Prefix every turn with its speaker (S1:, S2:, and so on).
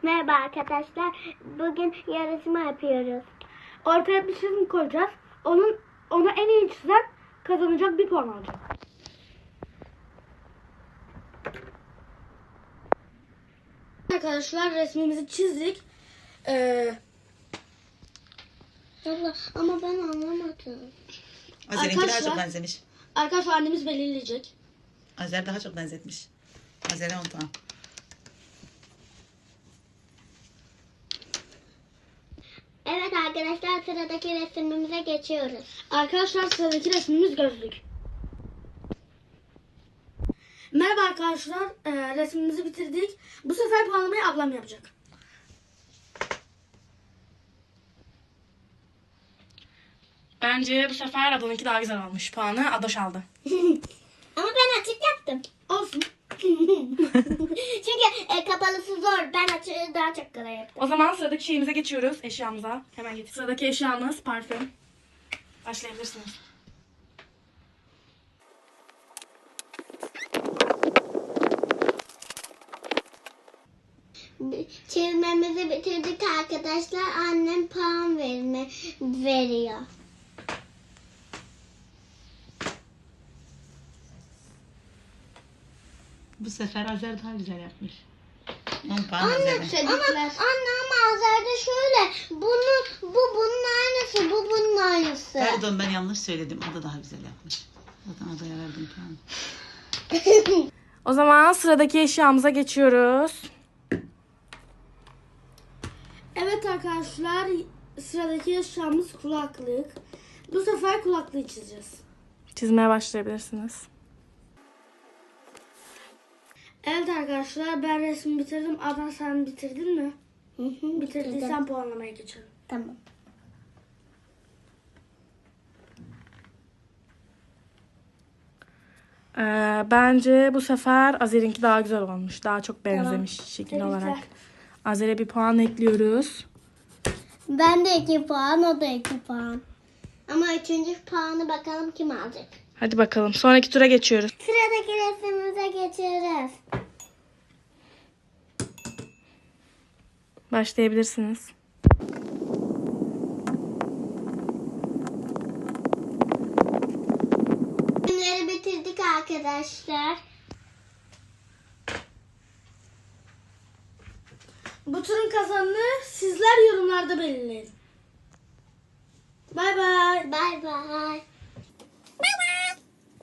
S1: Merhaba arkadaşlar. Bugün yarışma yapıyoruz.
S2: Ortaya bir çizim koyacağız. Onu en iyi çizen kazanacak, bir puan alacak. Arkadaşlar resmimizi çizdik.
S1: Ama ben anlamadım.
S3: Azer'inki daha çok benzemiş.
S2: Arkadaşlar annemiz belirleyecek.
S3: Azer daha çok benzetmiş. Azer'e 10 puan.
S1: Evet arkadaşlar, sıradaki resmimize geçiyoruz.
S2: Arkadaşlar sıradaki resmimiz gözlük. Merhaba arkadaşlar. Resmimizi bitirdik. Bu sefer puanlamayı ablam yapacak. Bence bu sefer ablanınki daha güzel olmuş. Puanı Adoş aldı.
S1: Ama ben açık yaptım.
S2: Olsun.
S1: Çünkü kapalısı zor. Ben açığı daha çok kolay yaptım.
S2: O zaman sıradaki şeyimize geçiyoruz. Eşyamıza. Hemen getir. Sıradaki eşyamız parfüm. Başlayabilirsiniz.
S1: Çizmemizi bitirdik arkadaşlar. Annem puan veriyor.
S3: Bu sefer Azer daha güzel yapmış. 10 puan
S1: Anne,
S3: Azer'e.
S1: ama Azer'de şöyle. Bu bunun aynısı. Bu bunun aynısı.
S3: Pardon, ben yanlış söyledim. O da daha güzel yapmış. Zaten Azer'e verdim puanı.
S2: O zaman sıradaki eşyamıza geçiyoruz. Evet arkadaşlar, sıradaki eşyamız kulaklık. Bu sefer kulaklığı çizeceğiz. Çizmeye başlayabilirsiniz. Evet arkadaşlar, ben resmi bitirdim. Adnan, sen bitirdin mi? Bitirdiysen puanlamaya geçelim.
S1: Tamam.
S2: Bence bu sefer Azer'inki daha güzel olmuş. Daha çok benzemiş şekil
S1: Tebrikler.
S2: olarak. Azer'e bir puan ekliyoruz.
S1: Ben de 2 puan, o da 2 puan. Ama 3. puanı bakalım kim alacak.
S2: Hadi bakalım. Sonraki tura geçiyoruz.
S1: Sıradaki resmimize geçiyoruz.
S2: Başlayabilirsiniz.
S1: Resimleri bitirdik arkadaşlar.
S2: Bu turun kazanını sizler yorumlarda belirleyin. Bay bay.
S1: Bay bay.